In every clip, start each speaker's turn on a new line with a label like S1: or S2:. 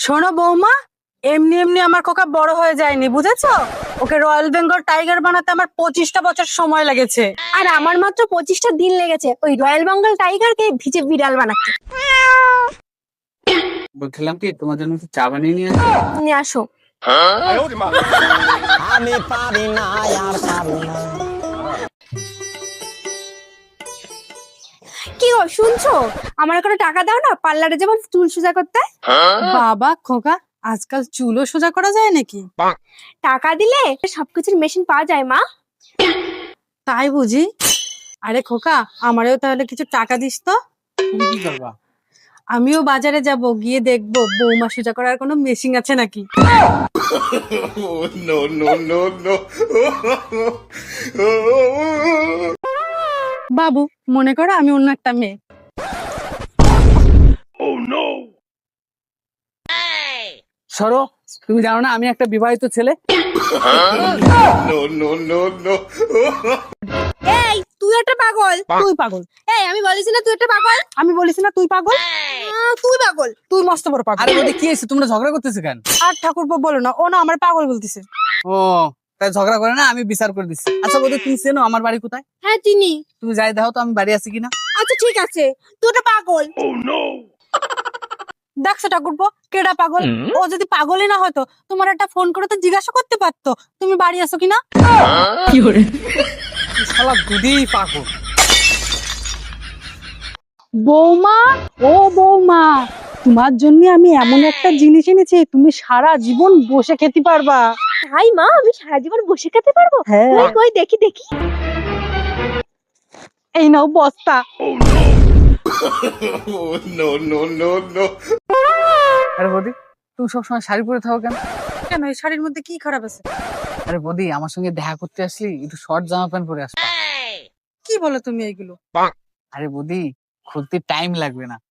S1: শোনো বৌমা, এমনি এমনি আমার খোকা বড় হয়ে যায়নি, বুঝেছো? ওকে রয়্যাল বেঙ্গল টাইগার বানাতে আমার 25টা বছর সময় লেগেছে।
S2: আর আমার মাত্র 25টা দিন লেগেছে ওই রয়্যাল বেঙ্গল টাইগারকে ভিজে বিড়াল বানাতে।
S3: বলছিলাম কি তোমার জন্য একটু চা বানিয়ে নিয়ে
S2: নিয়ে আসো।
S4: আমি পারি না আর পারি না।
S2: কি গো শুনছো? আমার কোনো টাকা দাও না, পার্লারে যেমন চুল সোজা করতে।
S1: বাবা খোকা, আজকাল চুলও সোজা করা যায় নাকি?
S2: টাকা দিলে সবকিছুর মেশিন পাওয়া যায় মা।
S1: তাই বুঝি? আরে খোকা, আমারও তাহলে কিছু টাকা দিস তো।
S3: তুমি কি করবা?
S1: আমিও বাজারে যাব, গিয়ে দেখবো বৌমা সোজা করার কোনো মেশিন আছে নাকি।
S5: No, no, no, no.
S1: বাবু, মনে করো আমি অন্য একটা মেয়ে।
S3: সরো, তুমি জানো না আমি একটা বিবাহিত ছেলে?
S5: No, no, no, no.
S2: এই তুই একটা পাগল।
S1: তুই পাগল।
S2: এই আমি বলিস না তুই একটা পাগল।
S1: আমি বলিস না তুই পাগল?
S2: তুই পাগল।
S1: তুই মস্ত বড় পাগল।
S3: আরে বলি কি হয়েছে, তোমরা ঝগড়া করতেছো কেন?
S1: আর ঠাকুরপো বলো না, ও না আমার পাগল বলতেছে।
S3: ও তাই ঝগড়া করে না, আমি বিচার করে দিচ্ছি। আচ্ছা বলি তুমি চেনো আমার বাড়ি কোথায়?
S2: হ্যাঁ চিনি।
S3: তুমি যাই দেখো তো আমি বাড়ি আছি কিনা।
S2: আচ্ছা ঠিক আছে, তুই একটা পাগল।
S1: দেখছো ঠাকুরপো, কেডা পাগল? ও যদি পাগলই না হতো তোমার একটা ফোন করে তো জিজ্ঞাসা করতে পারতো তুমি বাড়ি আছো কিনা।
S3: শালা দুধেই পাগল।
S1: বৌমা, ও বৌমা, তোমার জন্য আমি এমন একটা জিনিস এনেছি তুমি সারা জীবন বসে খেতে পারবা।
S2: তাই মা, আমি সারা জীবন বসে খেতে পারবো?
S1: হ্যাঁ।
S2: কই কই দেখি দেখি।
S1: এই নাও বস্তা।
S5: Oh, no, no, no, no.
S3: আরে বদি, তুমি সবসময় শাড়ি পরে থাকো কেন?
S1: কেন, এই শাড়ির মধ্যে কি খারাপ আছে?
S3: আরে বদি, আমার সঙ্গে দেখা করতে আসলি একটু শর্ট জামা প্যান্ট পরে আসবা।
S1: কি বলো তুমি এইগুলো?
S3: আরে বদি, খুলতে টাইম লাগবে না।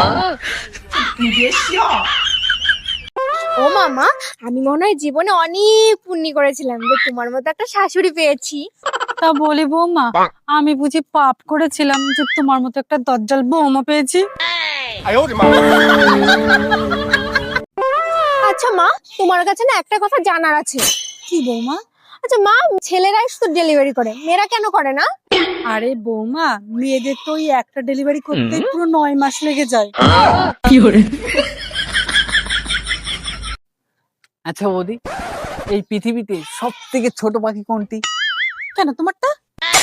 S2: ও মামা, আমি মনে হয় জীবনে অনেক পুণ্যি করেছিলাম যে তোমার মতো একটা শাশুড়ি পেয়েছি।
S1: তা বলি বৌমা, আমি বুঝি পাপ করেছিলাম যে তোমার মতো একটা দজ্জাল বৌমা পেয়েছি?
S2: আচ্ছা মা, তোমার কাছে না একটা কথা জানার আছে।
S1: কি বৌমা?
S2: আচ্ছা মা, ছেলেরাই শুধু ডেলিভারি করে, মেয়েরা কেন করে না?
S1: আরে বৌমা, মেয়েদের তো ওই একটা ডেলিভারি করতে পুরো 9 মাস লেগে যায়।
S3: আচ্ছা বৌদি, এই পৃথিবীতে সব থেকে ছোট পাখি কোনটি?
S1: কেন তোমারটা?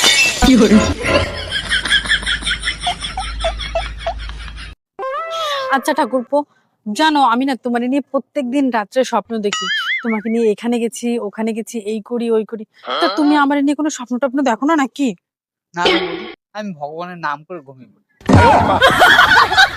S1: আচ্ছা ঠাকুরপো, জানো আমি না তোমার নিয়ে প্রত্যেকদিন রাত্রে স্বপ্ন দেখি। তোমাকে নিয়ে এখানে গেছি ওখানে গেছি, এই করি ওই করি। তা তুমি আমার নিয়ে কোনো স্বপ্ন টপ্ন দেখো না নাকি?
S3: না রে বৌদি, আমি ভগবানের নাম করে ঘুমিয়ে পড়ি।